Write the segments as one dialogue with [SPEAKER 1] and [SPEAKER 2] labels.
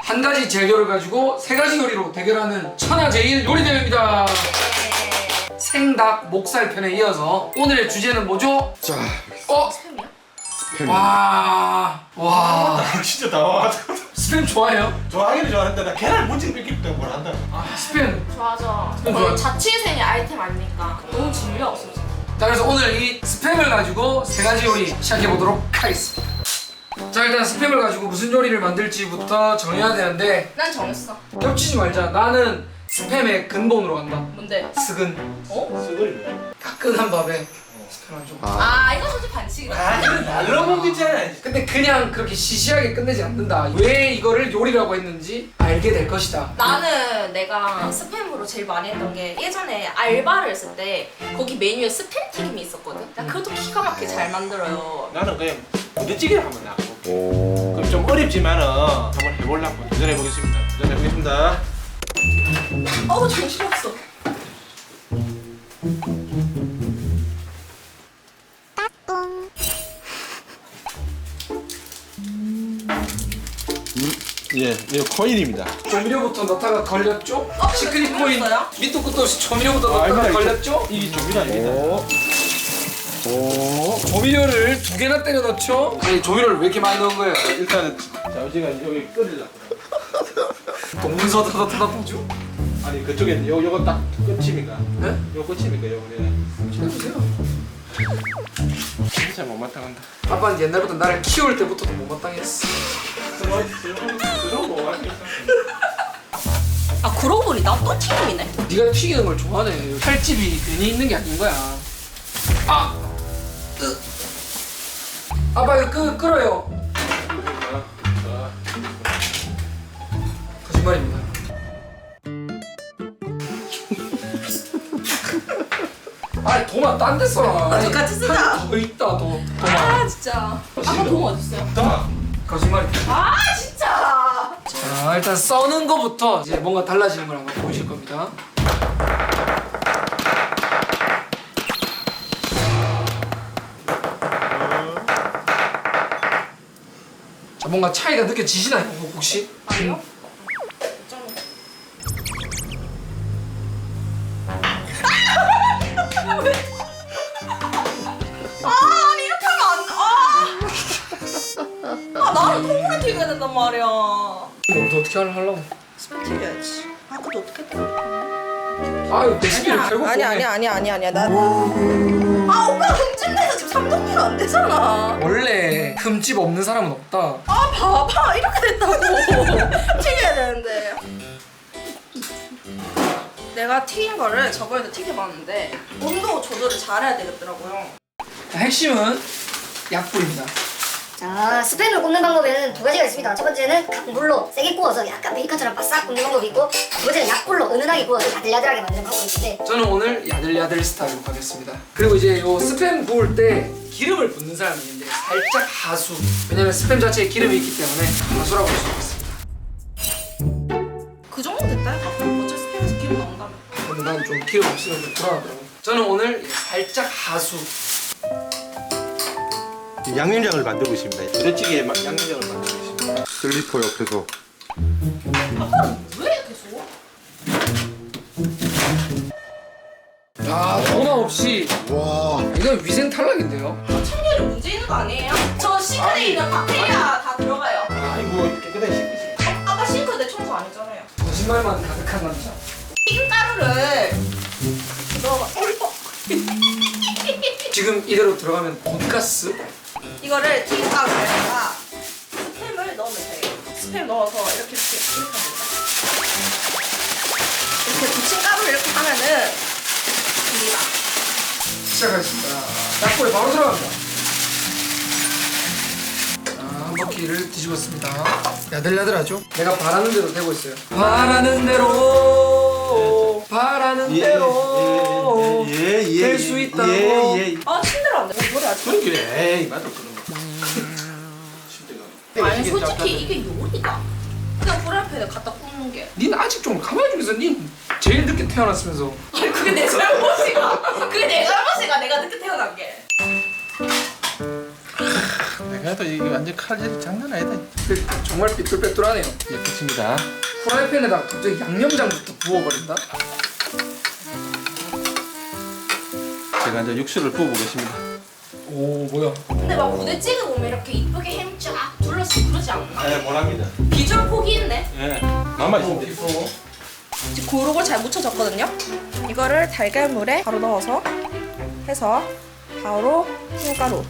[SPEAKER 1] 한 가지 재료를 가지고 세 가지 요리로 대결하는 천하제일 요리 대회입니다. 생닭 목살 편에 이어서 오늘의 주제는 뭐죠?
[SPEAKER 2] 자,
[SPEAKER 3] 스팸이야?
[SPEAKER 1] 와.
[SPEAKER 2] 진짜 나와가지고
[SPEAKER 1] 스팸 좋아해요?
[SPEAKER 2] 좋아하기는 좋아하는데 나 계란 문지를 뺏길 때 뭘 한다.
[SPEAKER 1] 스팸.
[SPEAKER 3] 좋아하죠.
[SPEAKER 1] 스팸 좋아요?
[SPEAKER 3] 자취생의 아이템 아닙니까? 너무 재미가 없어요.
[SPEAKER 1] 자, 그래서 오늘 이 스팸을 가지고 세 가지 요리 시작해 보도록 하겠습니다. 자, 일단 스팸을 가지고 무슨 요리를 만들지부터 정해야 되는데
[SPEAKER 3] 난 정했어.
[SPEAKER 1] 겹치지 말자. 나는 스팸의 근본으로 간다.
[SPEAKER 3] 뭔데?
[SPEAKER 1] 스근.
[SPEAKER 3] 어?
[SPEAKER 2] 쓰거리.
[SPEAKER 1] 따끈한 밥에 스팸 한 점.
[SPEAKER 3] 아 이거 솔직히 반칙이다.
[SPEAKER 2] 아, 이거 날로 먹기잖아.
[SPEAKER 1] 근데 그냥 그렇게 시시하게 끝내지 않는다. 왜 이거를 요리라고 했는지 알게 될 것이다.
[SPEAKER 3] 나는 내가 스팸으로 제일 많이 했던 게 예전에 알바를 했을 때 거기 메뉴에 스팸 튀김이 있었거든. 나 그것도 기가 막히게 잘 만들어요.
[SPEAKER 2] 나는 그냥 부대찌개를 한번 나가볼게. 그럼 좀 어렵지만은 한번 해보려고 도전해보겠습니다. 도전해보겠습니다.
[SPEAKER 3] 어우 정신없어.
[SPEAKER 2] 예, 이거 코인입니다.
[SPEAKER 1] 조미료부터 넣다가 걸렸죠? 시크릿
[SPEAKER 3] 근데
[SPEAKER 1] 코인
[SPEAKER 3] 조미료였어요?
[SPEAKER 1] 밑도 끝도 없이 조미료부터 넣다가 걸렸죠?
[SPEAKER 2] 이 조미료 아닙니다.
[SPEAKER 1] 조미료를 두 개나 때려 넣죠? 아니 조미료를 왜 이렇게 많이 넣은 거예요?
[SPEAKER 2] 일단은 자, 우지가 여기 끓이려고.
[SPEAKER 1] 동문서 타다 보죠?
[SPEAKER 2] 아니 그쪽에 요거 딱 끝입니까?
[SPEAKER 1] 네?
[SPEAKER 2] 요거 끝입니까? 요거 그냥.
[SPEAKER 1] 해보세요.
[SPEAKER 2] 진짜 못마땅한다.
[SPEAKER 1] 아빠는 옛날부터 나를 키울 때부터도 못마땅했어.
[SPEAKER 2] 그런 거 아니겠어?
[SPEAKER 3] 아 그러고 보니 나 또 튀김이네.
[SPEAKER 1] 네가 튀기는 걸 좋아하네. 살집이 괜히 있는 게 아닌 거야. 아! 아빠 이거 끓어요. 거짓말입니다. 아니 도마 딴 데 써라. 아니,
[SPEAKER 3] 똑같이 쓰자.
[SPEAKER 1] 더 있다 도마.
[SPEAKER 3] 아 진짜. 아빠 돈 어딨어요?
[SPEAKER 2] 자,
[SPEAKER 1] 거짓말입니다.
[SPEAKER 3] 아 진짜.
[SPEAKER 1] 자 일단 써는 거부터 이제 뭔가 달라지는 걸 한번 보실 겁니다. 자 뭔가 차이가 느껴지시나요 혹시?
[SPEAKER 3] 아니요? 아니 이렇게 하면 아 나는 통으로 튀겨야 된단 말이야.
[SPEAKER 1] 이거 어떻게 하려고?
[SPEAKER 3] 스팸 튀겨야지. 아 그것도 어떻게 튀겨?
[SPEAKER 1] 아유 레시피를 결국
[SPEAKER 3] 아니야 나. 아 오빠 흠집내서 지금 3종류가 안 되잖아.
[SPEAKER 1] 원래 흠집 없는 사람은 없다.
[SPEAKER 3] 아 봐봐 이렇게 됐다고. 튀겨야 되는데. 내가 튀긴 거를 저번에도 튀겨봤는데 온도 조절을 잘해야 되겠더라고요.
[SPEAKER 1] 자, 핵심은 약불입니다.
[SPEAKER 4] 자, 스팸을 굽는 방법에는 두 가지가 있습니다. 첫 번째는 강불로 세게 구워서 약간 베이컨처럼 바싹 굽는 방법이 있고, 두 번째는 약불로 은은하게 구워서 야들야들하게 만드는 방법이 있는데,
[SPEAKER 1] 저는 오늘 야들야들 스타일로 가겠습니다. 그리고 이제 요 스팸 구울 때 기름을 붓는 사람이 있는데 살짝 하수. 왜냐면 스팸 자체에 기름이 있기 때문에 하수라고 할 수 있습니다.
[SPEAKER 3] 그 정도 됐다니까. 어차피 스팸에서 기름 나온다며.
[SPEAKER 1] 근데 난 좀 기름 없으면 좀 불안하더라고. 저는 오늘 살짝 하수.
[SPEAKER 2] 양념장을 만들고 있습니다. 부대찌개에 양념장을 만들고 있습니다.
[SPEAKER 5] 슬리퍼 옆에서
[SPEAKER 3] 아빠는 왜 이렇게 쏘?
[SPEAKER 1] 야 도마 없이.
[SPEAKER 5] 와
[SPEAKER 1] 이건 위생 탈락인데요.
[SPEAKER 3] 청결이 문제 있는 거 아니에요? 저 싱크대에 있는 박테리아 다 들어가요.
[SPEAKER 2] 아이고 깨끗하게 씻기지.
[SPEAKER 3] 아까 싱크대 청소 안 했잖아요.
[SPEAKER 1] 거짓말만 가득한 남자.
[SPEAKER 3] 튀김가루를 넣어봐.
[SPEAKER 1] 지금 이대로 들어가면 돈가스?
[SPEAKER 3] 이거를 튀김가루에다가 스팸을 넣으면 돼요. 스팸 넣어서 이렇게 하면 돼요. 이렇게 부친 가루를 이렇게 하면은 됩니다.
[SPEAKER 1] 시작하겠습니다. 약불에 바로 들어갑니다. 자, 한 바퀴를 뒤집었습니다. 야들야들하죠? 내가 바라는 대로 되고 있어요. 바라는 대로, 바라는 대로 될 수 있다고.
[SPEAKER 3] 아 침대로 안 돼. 노래 아직.
[SPEAKER 2] 그래, 에이 맛도 그런 거.
[SPEAKER 3] 아니 솔직히 이게 요리다. 그냥 프라이팬에 갖다 굽는 게.
[SPEAKER 1] 닌 아직 좀 가만히 좀 있어. 닌 제일 늦게 태어났으면서.
[SPEAKER 3] 아니 그게 내 잘못이가. 그게 내 잘못이가. 내가 늦게 태어난 게.
[SPEAKER 2] 내가 또 이게 완전 칼질이 장난 아니다.
[SPEAKER 1] 정말 삐뚤빼뚤하네요.
[SPEAKER 2] 예, 끝입니다.
[SPEAKER 1] 프라이팬에다가 갑자기 양념장부터 부어버린다?
[SPEAKER 2] 제가 이제 육수를 부어보겠습니다.
[SPEAKER 1] 오 뭐야?
[SPEAKER 3] 근데 막 부대찌개 보면 이렇게 이쁘게 햄 쫙 둘러쓰고 그러지 않나?
[SPEAKER 2] 네, 뭐랍니다.
[SPEAKER 3] 비주얼 포기했네.
[SPEAKER 2] 예, 맛만 있으면 돼.
[SPEAKER 3] 지금 고루고루 잘 묻혀졌거든요. 이거를 달걀물에 바로 넣어서 해서 바로 흰가루.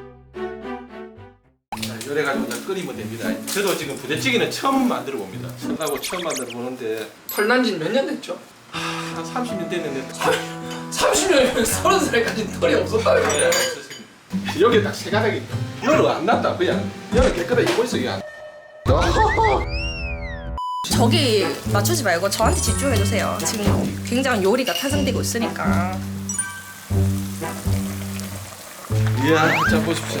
[SPEAKER 2] 요래 가지고 이제 끓이면 됩니다. 저도 지금 부대찌개는 처음 만들어 봅니다. 하고 처음 만들어 보는데
[SPEAKER 1] 털난 지는 몇 년 됐죠?
[SPEAKER 2] 한 30년 됐는데
[SPEAKER 1] 30년이면 30살까지 털이 없었다는
[SPEAKER 2] 예,
[SPEAKER 1] 거예요.
[SPEAKER 2] 없었습니다. 여기 딱 세 가닥이 열은 안 났다. 그냥 열은 깨끗하게 입고 있어 그냥.
[SPEAKER 3] 저기 맞추지 말고 저한테 집중해주세요. 지금 굉장히 요리가 탄생되고 있으니까.
[SPEAKER 2] 이야, 자 보십시오.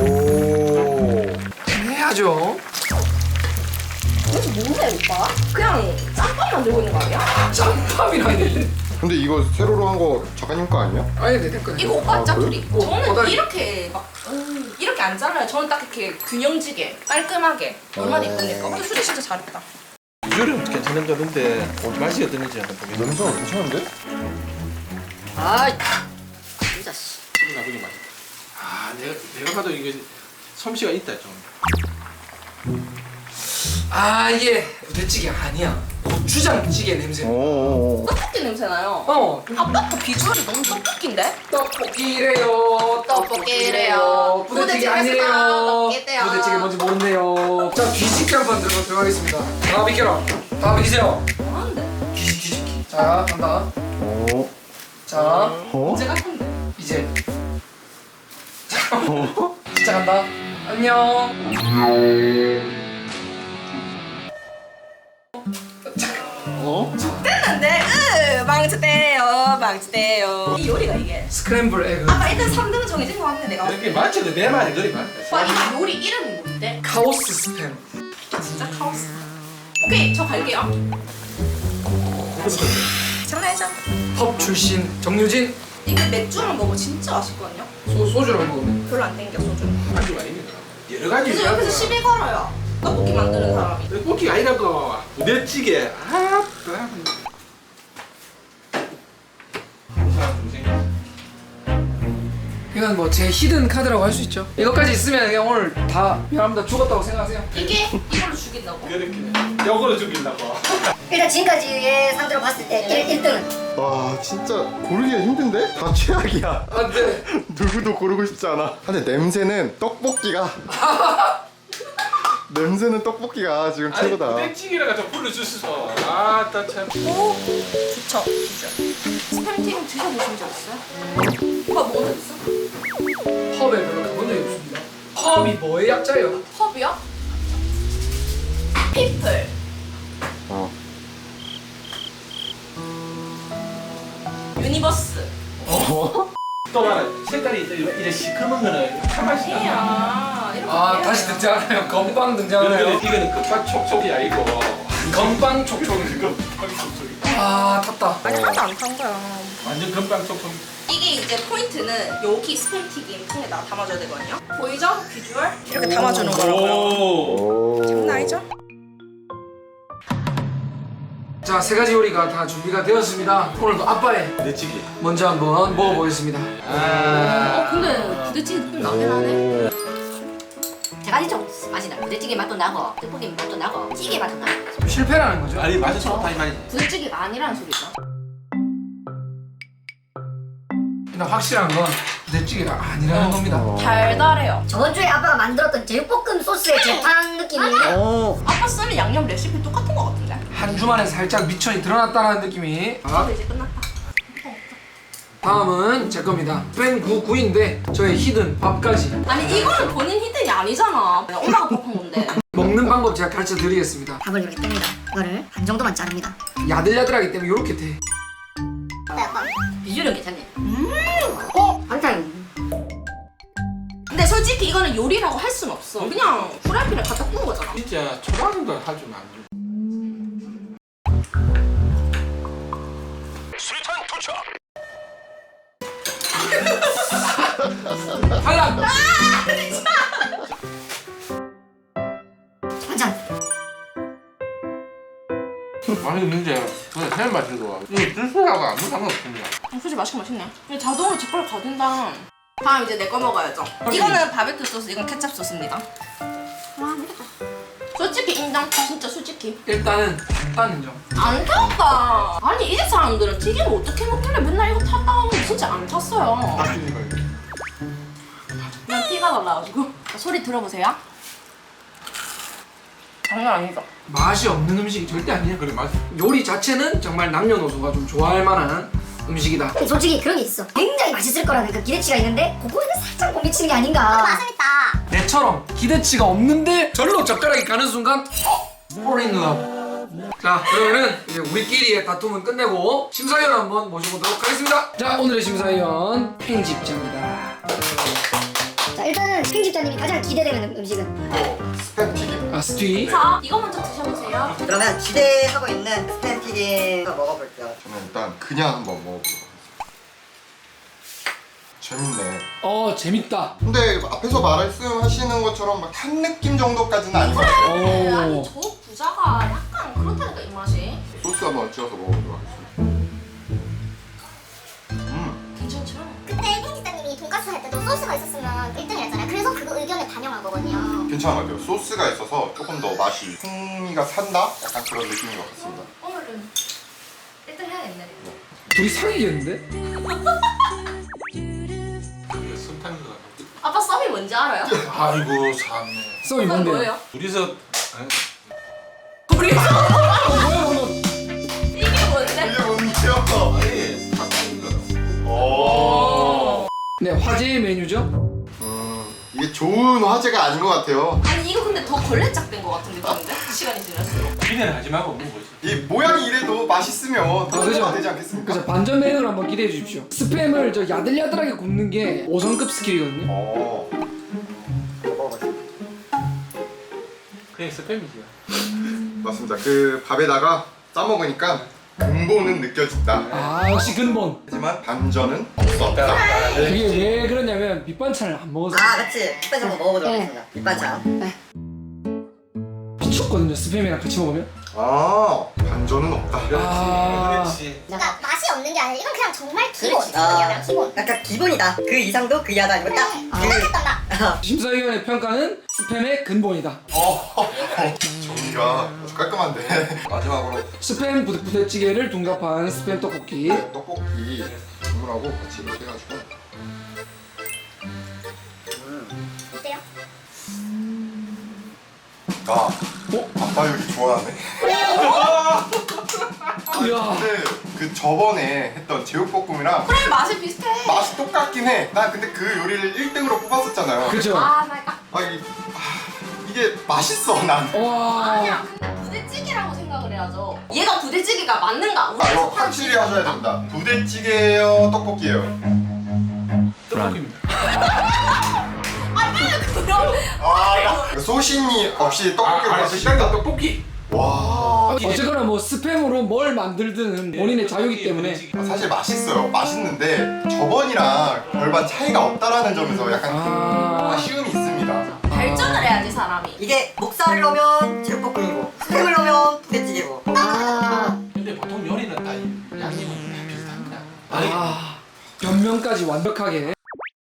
[SPEAKER 1] 해야죠.
[SPEAKER 3] 그래서 뭐해 오빠? 그냥 짬밥 만들고 있는 거 아니야?
[SPEAKER 1] 짬밥이라니.
[SPEAKER 5] 근데 이거 세로로 한 거 작가님 거 아니야?
[SPEAKER 1] 아니 내 거예요.
[SPEAKER 3] 이거 오빠 짜투리. 저는
[SPEAKER 1] 꼬다리.
[SPEAKER 3] 이렇게 막 이렇게 안 잘라요. 저는 딱 이렇게 균형지게 깔끔하게 얼마나 이쁘니까. 근데 수리 진짜 잘했다.
[SPEAKER 2] 비주얼은 괜찮은 거는데 맛이 어떤지 한번 보겠습니다.
[SPEAKER 5] 냄새가 괜찮은데?
[SPEAKER 4] 아 진짜 씨.
[SPEAKER 2] 기분 나쁘게 맛있다. 아, 내가 봐도 이게 솜씨가 있다 좀.
[SPEAKER 1] 아 이게 부대찌개 아니야. 고추장찌개 냄새.
[SPEAKER 5] 오.
[SPEAKER 3] 떡볶이 냄새 나요.
[SPEAKER 1] 어.
[SPEAKER 3] 아빠도 비주얼이 너무 떡볶인데?
[SPEAKER 1] 떡볶이래요.
[SPEAKER 3] 떡볶이래요.
[SPEAKER 1] 부대찌개
[SPEAKER 3] 부대찌개에서
[SPEAKER 1] 아니래요.
[SPEAKER 3] 떡볶이래요.
[SPEAKER 1] 부대찌개 뭔지 모르네요. 자 뒤집기 한번 들어가겠습니다. 다 비켜라. 다 비키세요.
[SPEAKER 3] 뭐하는데?
[SPEAKER 1] 뒤집기. 자 간다.
[SPEAKER 5] 오.
[SPEAKER 1] 자
[SPEAKER 5] 어?
[SPEAKER 3] 언제 갈 건데?
[SPEAKER 1] 이제. 자 시작한다. 안녕.
[SPEAKER 5] 어?
[SPEAKER 3] 됐는데? 망치대요. 이 요리가 이게.
[SPEAKER 1] 스크램블 에그.
[SPEAKER 3] 아까 일단 3등은 정해진 것 같네 내가.
[SPEAKER 2] 이렇게 맞춰도 내 말이 그리 맞다.
[SPEAKER 3] 오빠 이 요리 이름이 뭔데?
[SPEAKER 1] 카오스 스팸.
[SPEAKER 3] 진짜 카오스. 오케이 저 갈게요. 장난이죠?
[SPEAKER 1] 펍 출신 정유진.
[SPEAKER 3] 이게 맥주랑 먹으면 진짜 맛있거든요.
[SPEAKER 1] 소주랑 먹으면.
[SPEAKER 3] 별로 안 땡겨 소주.
[SPEAKER 2] 아주 아닙니다. 여러 가지.
[SPEAKER 3] 그래서 옆에서 시비 걸어요. 떡볶이 만드는 사람이.
[SPEAKER 2] 떡볶이가 아니라고. 부대찌개. 아,
[SPEAKER 1] 이건 뭐 제 히든 카드라고 할 수 있죠. 이것까지 있으면 그냥 오늘 다 미안합니다 죽었다고 생각하세요.
[SPEAKER 3] 이게 이걸로 죽인다고?
[SPEAKER 2] 그렇게 역으로 죽이려고.
[SPEAKER 4] 일단 지금까지의 상대로 봤을 때 1등은
[SPEAKER 5] 와 진짜 고르기가 힘든데? 다 최악이야.
[SPEAKER 1] 안돼.
[SPEAKER 5] 누구도 고르고 싶지 않아. 근데 냄새는 떡볶이가 냄새는 떡볶이가 지금
[SPEAKER 2] 아니
[SPEAKER 5] 최고다.
[SPEAKER 2] 부대찌개라가 좀 불러주셔서 아따 참.
[SPEAKER 3] 오 좋죠 비주얼. 스팸튀김 드셔보신 적 있어요? 오빠 뭐 드셨어?
[SPEAKER 1] 펍에 별로 가본 적이 없습니다. 펍이 뭐의 약자예요?
[SPEAKER 3] 펍이요? 피플.
[SPEAKER 5] 어.
[SPEAKER 3] 유니버스.
[SPEAKER 2] 또 하나 색깔이 이래 시커먼 거는 참맛이 나.
[SPEAKER 3] 아니야. 이렇게
[SPEAKER 1] 아
[SPEAKER 3] 해요.
[SPEAKER 1] 다시 등장하네요. 건빵 등장하네요.
[SPEAKER 2] 이거는 끝밥 촉촉이 아니고
[SPEAKER 1] 건빵 촉촉이.
[SPEAKER 2] 건빵 촉촉이.
[SPEAKER 1] 아 탔다.
[SPEAKER 3] 아니 하나도 안 탄 거야.
[SPEAKER 2] 완전 건빵 촉촉.
[SPEAKER 3] 이게 이제 포인트는 여기 스팸튀김 통에다 담아줘야 되거든요. 보이죠? 비주얼? 이렇게 담아주는 거라고요.
[SPEAKER 2] 오.
[SPEAKER 5] 오.
[SPEAKER 3] 장난 아니죠?
[SPEAKER 1] 자 세 가지 요리가 다 준비가 되었습니다. 오늘도 아빠의
[SPEAKER 2] 부대찌개.
[SPEAKER 1] 먼저 한번 먹어보겠습니다.
[SPEAKER 3] 근데 부대찌개 느낌 나긴 하네.
[SPEAKER 4] 제가 좀 맛이 나요. 부대찌개 맛도 나고 떡볶이 맛도 나고 찌개 맛도 나고
[SPEAKER 1] 좀 실패라는 거죠.
[SPEAKER 2] 아니 맛은 좋다 이 말이지.
[SPEAKER 3] 부대찌개가 아니라는 소리죠.
[SPEAKER 1] 그냥 확실한 건 부대찌개가 아니라는 겁니다.
[SPEAKER 3] 달달해요.
[SPEAKER 4] 저번 주에 아빠가 만들었던 제육볶음 소스의 재탕 느낌이
[SPEAKER 5] 어.
[SPEAKER 3] 아빠 쓰는 양념 레시피 똑같은 거 같은데?
[SPEAKER 1] 한 주만에 살짝 미천이 드러났다는 느낌이. 아,
[SPEAKER 3] 이제 끝났다.
[SPEAKER 1] 다음은 제 겁니다. 스팸 99인데 저의 히든 밥까지.
[SPEAKER 3] 아니 이거는 본인 히든이 아니잖아. 엄마가 밥한 건데.
[SPEAKER 1] 먹는 방법 제가 가르쳐 드리겠습니다.
[SPEAKER 4] 밥을 이렇게 뜹니다. 이거를 반 정도만 자릅니다.
[SPEAKER 1] 야들야들하기 때문에 이렇게 돼.
[SPEAKER 4] 비주얼은 괜찮네. 반찬.
[SPEAKER 3] 근데 솔직히 이거는 요리라고 할 순 없어. 그냥 프라이팬에 갖다 구운 거잖아.
[SPEAKER 2] 진짜 초라한 걸 할 줄 안 줘.
[SPEAKER 1] 탈락!
[SPEAKER 2] 맛있는데 그냥 살 마시고 이거 주스하고 아무 상관없습니다.
[SPEAKER 3] 솔직히 맛있네. 근데 자동으로 젓가락 가든다. 다음 이제 내 거 먹어야죠. 이거는 바베큐 소스, 이건 케찹 소스입니다. 와, 맛있다. 솔직히 인정. 진짜 솔직히.
[SPEAKER 1] 일단은 단단 인정.
[SPEAKER 3] 안 탔다. 아니 이 사람들은 튀김을 어떻게 먹길래 맨날 이거 탔다 하면 진짜 안 탔어요. 그냥 피가 날라가지고. 소리 들어보세요. 장난 아니죠?
[SPEAKER 1] 맛이 없는 음식이 절대 아니야.
[SPEAKER 2] 그래 맛.
[SPEAKER 1] 요리 자체는 정말 남녀노소가 좀 좋아할 만한 음식이다.
[SPEAKER 4] 근데 솔직히 그런 게 있어. 굉장히 맛있을 거라는 그 기대치가 있는데 그거는 살짝 못 미치는 게 아닌가. 맛있다.
[SPEAKER 1] 내처럼 기대치가 없는데 절로 젓가락이 가는 순간 뽀린 누나. 자 그러면은 이제 우리끼리의 다툼은 끝내고 심사위원 한번 모셔보도록 하겠습니다. 자 오늘의 심사위원 편집자입니다.
[SPEAKER 4] 자 일단은 편집자님이 가장 기대되는 음식은
[SPEAKER 5] 스팸 튀김.
[SPEAKER 1] 아 스튜이.
[SPEAKER 3] 자 이거 먼저 드셔보세요.
[SPEAKER 6] 그러면 기대하고 있는 스팸 튀김 먹어볼게요.
[SPEAKER 5] 저는 일단 그냥 한번 먹어보도록 하겠습니다. 재밌네.
[SPEAKER 1] 재밌다.
[SPEAKER 5] 근데 앞에서 말씀하시는 것처럼 막 탄 느낌 정도까지는 아닌 것 같아요.
[SPEAKER 3] 네, 아니
[SPEAKER 1] 오.
[SPEAKER 3] 저 부자가 약간 그렇다니까 이 맛이.
[SPEAKER 5] 소스 한번 찍어서 먹어보도록 하겠습니다.
[SPEAKER 3] 괜찮죠?
[SPEAKER 7] 그때 편집자님이 돈가스 할 때도 소스가 있었으면 1등을 했잖아요. 그래서 그거 의견을 반영한 거거든요.
[SPEAKER 5] 괜찮은 것 같아요. 소스가 있어서 조금 더 맛이 풍미가 산다? 약간 그런 느낌인 것 같습니다.
[SPEAKER 3] 오늘은 1등 해야겠네.
[SPEAKER 1] 둘이 상이겠는데?
[SPEAKER 2] 순탄이가.
[SPEAKER 3] 아빠 썸이 뭔지 알아요?
[SPEAKER 2] 아이고 참네.
[SPEAKER 1] 썸이
[SPEAKER 3] 썸
[SPEAKER 1] 뭔데?
[SPEAKER 3] 뭐예요?
[SPEAKER 2] 둘이서
[SPEAKER 3] 우리
[SPEAKER 1] 뭐야 방금?
[SPEAKER 3] 이게 뭔데?
[SPEAKER 5] 이게 뭔데요?
[SPEAKER 2] 아예 바뀐 거.
[SPEAKER 5] 오.
[SPEAKER 1] 네 화제의 메뉴죠?
[SPEAKER 5] 이게 좋은 화제가 아닌 것 같아요.
[SPEAKER 3] 아니 이거 근데 더 걸레짝된 거 같은 느낌인데? 시간이 지날수록.
[SPEAKER 2] 기대는 하지 말고 먹는 거지.
[SPEAKER 5] 이 모양이 이래도 맛있으면
[SPEAKER 1] 그죠?
[SPEAKER 5] 그죠? 되지 않겠습니까?
[SPEAKER 1] 그래서 반전 메뉴를 한번 기대해 주십시오. 스팸을 저 야들야들하게 굽는 게 5성급 스킬이거든요.
[SPEAKER 5] 먹어봤습니다.
[SPEAKER 2] 그냥 스팸이지.
[SPEAKER 5] 맞습니다. 그 밥에다가 싸 먹으니까 근본은 느껴진다.
[SPEAKER 1] 아 역시 근본.
[SPEAKER 5] 하지만 반전은 없었다.
[SPEAKER 1] 이게 왜 그러냐면 밑반찬을 안 먹어서
[SPEAKER 6] 그치. 스팸 한번 먹어보도록
[SPEAKER 4] 네.
[SPEAKER 6] 하겠습니다. 밑반찬.
[SPEAKER 1] 미쳤거든요. 스팸이랑 같이 먹으면.
[SPEAKER 5] 반전은 없다.
[SPEAKER 2] 그렇지.
[SPEAKER 7] 그러니까 맛이 없는 게 아니라 이건 그냥 정말 기본.
[SPEAKER 6] 그렇지.
[SPEAKER 7] 그냥 기본.
[SPEAKER 6] 약간 기본이다. 그 이상도 그 이하도 아니고 딱
[SPEAKER 7] 생각했던 맛.
[SPEAKER 1] 심사위원의 평가는 스팸의 근본이다.
[SPEAKER 5] 정리가 아주 깔끔한데. 마지막으로
[SPEAKER 1] 스팸 부대찌개를 둔갑한 스팸 떡볶이.
[SPEAKER 5] 떡볶이 국물하고 같이 이렇게 해가지고.
[SPEAKER 7] 어때요?
[SPEAKER 5] 아빠 요리 좋아하네.
[SPEAKER 1] 이야.
[SPEAKER 5] 근데 그 저번에 했던 제육볶음이랑
[SPEAKER 3] 그래 맛이 비슷해.
[SPEAKER 5] 맛이 똑같긴 해. 나 근데 그 요리를 1등으로 뽑았었잖아요.
[SPEAKER 1] 그죠?
[SPEAKER 3] 아 말까.
[SPEAKER 5] 이게 맛있어 난.
[SPEAKER 1] 와.
[SPEAKER 3] 아니야 근데 부대찌개라고 생각을 해야죠. 얘가 부대찌개가 맞는가? 우리
[SPEAKER 5] 이거 확실히 하셔야 된다. 부대찌개예요, 떡볶이예요.
[SPEAKER 2] 떡볶이입니다.
[SPEAKER 3] 그럼
[SPEAKER 5] 소신이 없이 떡볶이로 하시니까
[SPEAKER 2] 떡볶이.
[SPEAKER 5] 와.
[SPEAKER 1] 어쨌거나 뭐 스팸으로 뭘 만들든 본인의 자유이기 때문에.
[SPEAKER 5] 사실 맛있어요. 맛있는데 저번이랑 별반 차이가 없다라는 점에서 약간 아쉬움이 있습니다.
[SPEAKER 3] 발전을 해야지 사람이.
[SPEAKER 6] 이게 목살을 넣으면 제육볶음이고 스팸을 넣으면 부대찌개고.
[SPEAKER 2] 근데 보통 요리는 다 양념은 다 비슷합니다.
[SPEAKER 1] 변명까지 완벽하게.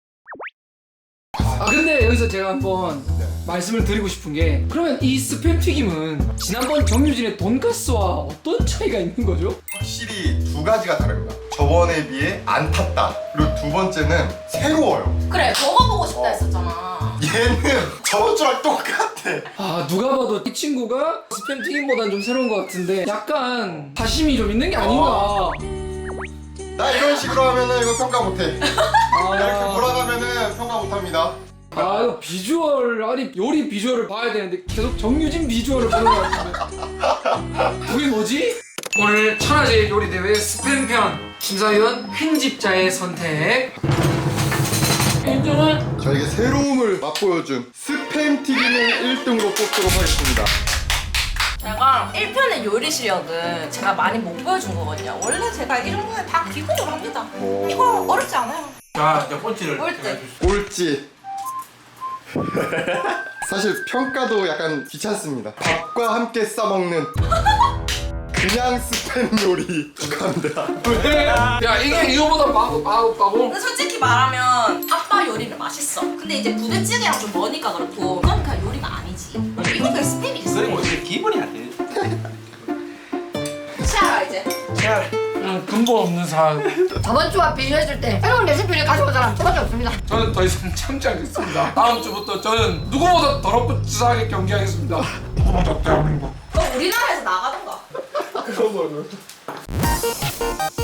[SPEAKER 1] 근데 여기서 제가 한번 말씀을 드리고 싶은 게 그러면 이 스팸 튀김은 지난번 정유진의 돈가스와 어떤 차이가 있는 거죠?
[SPEAKER 5] 확실히 두 가지가 다릅니다. 저번에 비해 안 탔다. 그리고 두 번째는 새로워요.
[SPEAKER 3] 그래 먹어보고 싶다 했었잖아.
[SPEAKER 5] 얘는 저번 주랑 똑같아.
[SPEAKER 1] 누가 봐도 이 친구가 스팸 튀김보다는 좀 새로운 것 같은데 약간 사심이 좀 있는 게 아닌가.
[SPEAKER 5] 나 이런 식으로 하면은 이거 평가 못해. 이렇게
[SPEAKER 1] 아,
[SPEAKER 5] 몰아가면은 평가 못합니다.
[SPEAKER 1] 이거 비주얼 아니 요리 비주얼을 봐야 되는데 계속 정유진 비주얼을 보는 것 같은데 그게 뭐지? 오늘 천하제일 요리대회 스팸편 심사위원 편집자의 선택 인정은
[SPEAKER 5] 저에게 새로움을 맛보여준 스팸 튀김을 1등으로 뽑도록 하겠습니다.
[SPEAKER 3] 제가 1편의 요리 실력은 제가 많이 못 보여준 거거든요. 원래 제가 이 정도는 다 기본으로 합니다. 이거 어렵지 않아요.
[SPEAKER 2] 자 이제 꼴찌를
[SPEAKER 3] 꼴찌.
[SPEAKER 2] 해주시죠.
[SPEAKER 5] 꼴찌. 사실 평가도 약간 귀찮습니다. 밥과 함께 싸먹는 그냥 스팸 요리 축하합니다.
[SPEAKER 1] 야 이게 이거보다 맛없다고?
[SPEAKER 3] 근데 솔직히 말하면 아빠 요리는 맛있어. 근데 이제 부대찌개랑 좀 머니까 그렇고 그건 그냥 요리가 아니지. 이건 그냥 스팸이지.
[SPEAKER 2] 그리고 어떻게 기분이 안 돼.
[SPEAKER 3] 시아라 이제.
[SPEAKER 2] 자,
[SPEAKER 1] 근본 없는 사람.
[SPEAKER 4] 저번 주와 비교했을 때 새로운 레시피를 가져온 사람 저밖에 없습니다.
[SPEAKER 1] 저는 더 이상 참지 않겠습니다. 다음 주부터 저는 누구보다 더럽고 치사하게 경기하겠습니다. 대한민국.
[SPEAKER 3] 너 우리나라에서 나가던가.
[SPEAKER 1] 그런 거는.